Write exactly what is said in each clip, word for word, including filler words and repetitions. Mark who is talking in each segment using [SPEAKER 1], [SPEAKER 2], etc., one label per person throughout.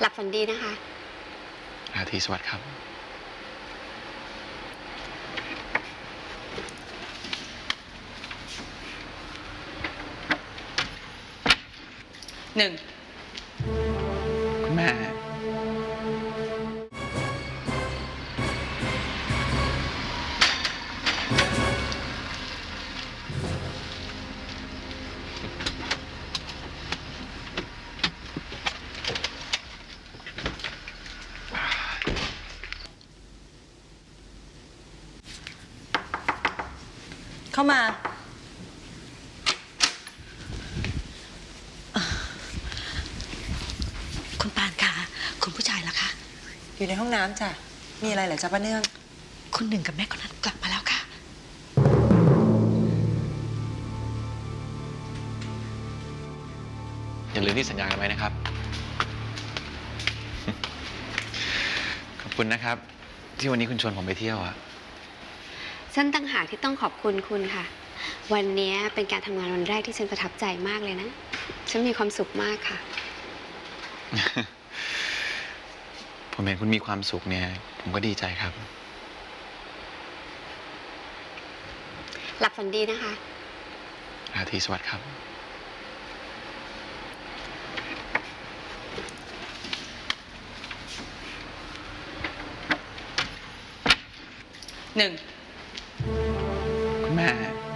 [SPEAKER 1] หลับฝันดีนะคะ
[SPEAKER 2] ราตรีสวัสดิ์ครับ
[SPEAKER 3] หนึ่ง
[SPEAKER 2] คุณแม่
[SPEAKER 3] เข้ามา
[SPEAKER 4] คุณปานคะคุณผู้ชายล่ะคะ
[SPEAKER 3] อยู่ในห้องน้ำจ้ะมีอะไรเหรอจ๊ะป้าเนื่อง
[SPEAKER 4] คุณหนึ่งกับแม่คนนั้นกลับมาแล้วค่ะ
[SPEAKER 2] อย่าลืมที่สัญญากันไว้นะครับ ขอบคุณนะครับที่วันนี้คุณชวนผมไปเที่ยวอะ
[SPEAKER 1] ฉันตั้งหากที่ต้องขอบคุณคุณค่ะวันนี้เป็นการทำงานวันแรกที่ฉันประทับใจมากเลยนะฉันมีความสุขมากค่ะ
[SPEAKER 2] ผมเห็นคุณมีความสุขเนี่ยผมก็ดีใจครับ
[SPEAKER 1] หลับฝันดีนะคะ
[SPEAKER 2] ราตรีสวัสดิ์ครับ
[SPEAKER 3] หนึ่ง
[SPEAKER 2] คุณแม่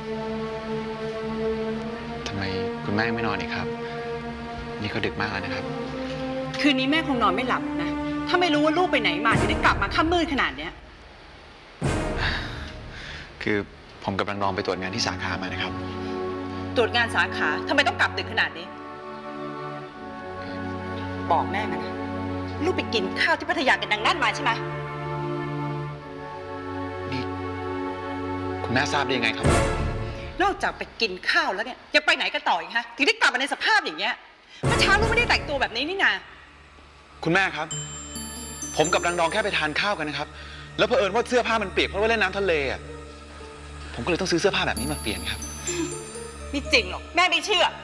[SPEAKER 2] ทำไมคุณแม่ไม่นอนอีกครับนี่ก็ดึกมากแล้วนะครับ
[SPEAKER 3] คืนนี้แม่คงนอนไม่หลับนะถ้าไม่รู้ว่าลูกไปไหนมาถึงได้กลับมาค่ำมืดขนาดเนี้ย
[SPEAKER 2] คือผมกำลังลองไปตรวจงานที่สาขามานะครับ
[SPEAKER 3] ตรวจงานสาขาทำไมต้องกลับดึกขนาดนี้บอกแม่มานะลูกไปกินข้าวที่พัทยากันดังนั่นมาใช่ไหม
[SPEAKER 2] นี่คุณแม่ทราบได้ยังไงครับ
[SPEAKER 3] นอกจากไปกินข้าวแล้วเนี่ยยังไปไหนกันต่ออีกฮะถึงได้กลับมาในสภาพอย่างเงี้ยเมื่อเช้าลูกไม่ได้แต่งตัวแบบนี้นี่นา
[SPEAKER 2] คุณแม่ครับผมกับรังดองแค่ไปทานข้าวกันนะครับแล้วเผอิญว่าเสื้อผ้ามันเปียกเพราะว่าเล่นน้ำทะเลอ่ะผมก็เลยต้องซื้อเสื้อผ้าแบบนี้มาเปลี่ยนครับ
[SPEAKER 3] ไม่จริงหรอกแม่ไม่เชื่อ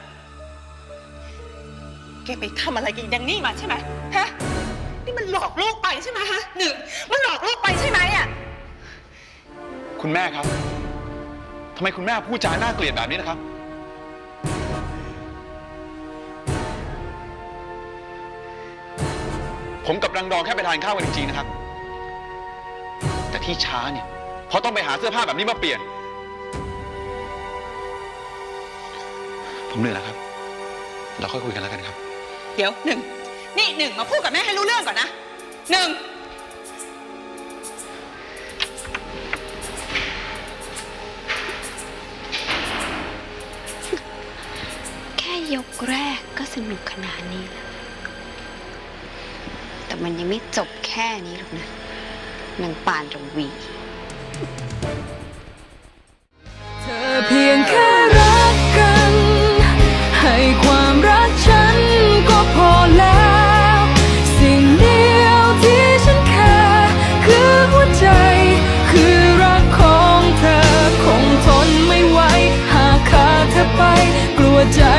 [SPEAKER 3] แกไปทำอะไรกินอย่างนี้มาใช่ไหมฮะนี่มันหลอกลูกไปใช่ไหมฮะหนึ่งมันหลอกลูกไปใช่ไหมอ่ะ
[SPEAKER 2] คุณแม่ครับทำไมคุณแม่พูดจาน่าเกลียดแบบนี้นะครับผมกับรังดองแค่ไปทานข้าวกันจริงๆนะครับแต่ที่ช้าเนี่ยเพราะต้องไปหาเสื้อผ้าแบบนี้มาเปลี่ยนผมเหนื่อยแล้วครับเราค่อยคุยกันแล้วกันครับ
[SPEAKER 3] เดี๋ยวหนึ่งนี่หนึ่งมาพูดกับแม่ให้รู้เรื่องก่อนนะหนึ่ง
[SPEAKER 1] แค่ยกแรกก็สนุกขนาดนี้แล้วแต่มันยังไม่จบแค่นี้หรอกนะนางปานระวี
[SPEAKER 5] เธอเพียงแค่รักกันให้ความรักฉันก็พอแล้วสิ่งเดียวที่ฉันแค่คือหัวใจคือรักของเธอคงทนไม่ไหวหากขาดเธอไปกลัวใจ